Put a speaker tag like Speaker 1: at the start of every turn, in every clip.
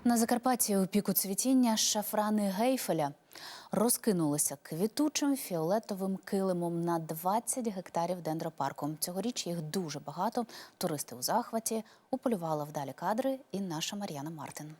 Speaker 1: На Закарпатті у піку цвітіння шафрани Гейфеля розкинулися квітучим фіолетовим килимом на 20 гектарів дендропарку. Цьогоріч їх дуже багато. Туристи у захваті. Уполювала вдалі кадри і наша Мар'яна Мартин.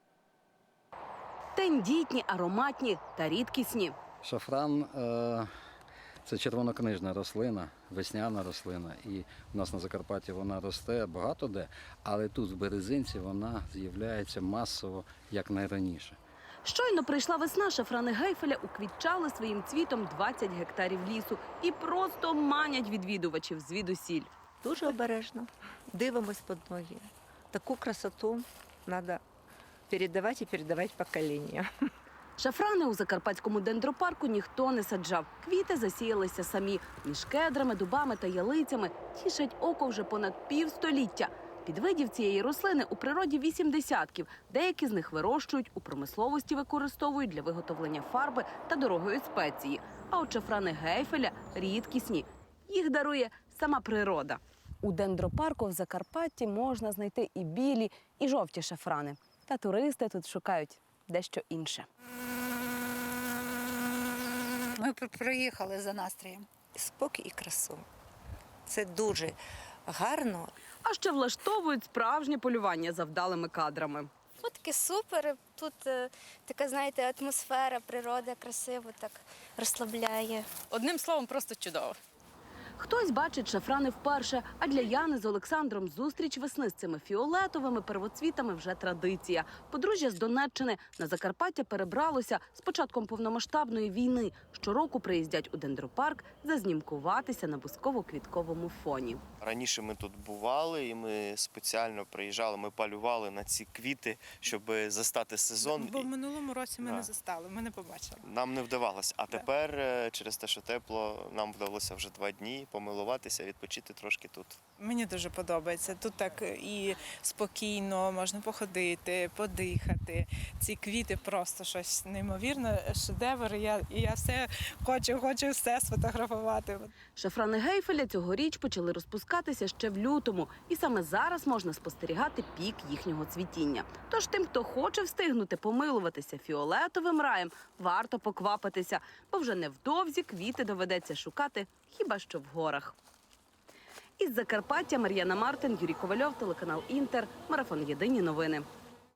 Speaker 2: Тендітні, ароматні та рідкісні.
Speaker 3: Шафран – це червонокнижна рослина, весняна рослина. І у нас на Закарпатті вона росте багато де, але тут, в Березинці, вона з'являється масово, як найраніше.
Speaker 2: Щойно прийшла весна, шафрани Гейфеля уквітчали своїм цвітом 20 гектарів лісу і просто манять відвідувачів звідусіль.
Speaker 4: Дуже обережно. Дивимось під ноги. Таку красоту треба передавати і передавати поколінням.
Speaker 2: Шафрани у Закарпатському дендропарку ніхто не саджав. Квіти засіялися самі. Між кедрами, дубами та ялицями тішать око вже понад півстоліття. Підвидів цієї рослини у природі 8 десятків. Деякі з них вирощують, у промисловості використовують для виготовлення фарби та дорогої спеції. А от шафрани Гейфеля рідкісні. Їх дарує сама природа. У дендропарку в Закарпатті можна знайти і білі, і жовті шафрани. Та туристи тут шукають дещо інше.
Speaker 5: Ми приїхали за настроєм.
Speaker 4: Спокій і красу. Це дуже гарно.
Speaker 2: А ще влаштовують справжнє полювання за вдалими кадрами.
Speaker 6: Фотки супер, тут така, знаєте, атмосфера, природа красиво так розслабляє.
Speaker 5: Одним словом, просто чудово.
Speaker 2: Хтось бачить шафрани вперше, а для Яни з Олександром зустріч весни з цими фіолетовими первоцвітами вже традиція. Подружжя з Донеччини на Закарпаття перебралося з початком повномасштабної війни. Щороку приїздять у дендропарк зазнімкуватися на бузково-квітковому фоні.
Speaker 7: Раніше ми тут бували і ми спеціально приїжджали, ми полювали на ці квіти, щоб застати сезон.
Speaker 8: Бо в минулому році ми не застали, ми не побачили.
Speaker 7: Нам не вдавалося, а тепер через те, що тепло, нам вдалося вже 2 дні помилуватися, відпочити трошки тут.
Speaker 8: Мені дуже подобається. Тут так і спокійно, можна походити, подихати. Ці квіти просто щось неймовірне, шедевр. Я все хочу все сфотографувати.
Speaker 2: Шафрани Гейфеля цьогоріч почали розпускатися ще в лютому. І саме зараз можна спостерігати пік їхнього цвітіння. Тож тим, хто хоче встигнути помилуватися фіолетовим раєм, варто поквапитися, бо вже невдовзі квіти доведеться шукати хіба що в горах. Із Закарпаття Мар'яна Мартин, Юрій Ковальов, телеканал Інтер, марафон «Єдині новини».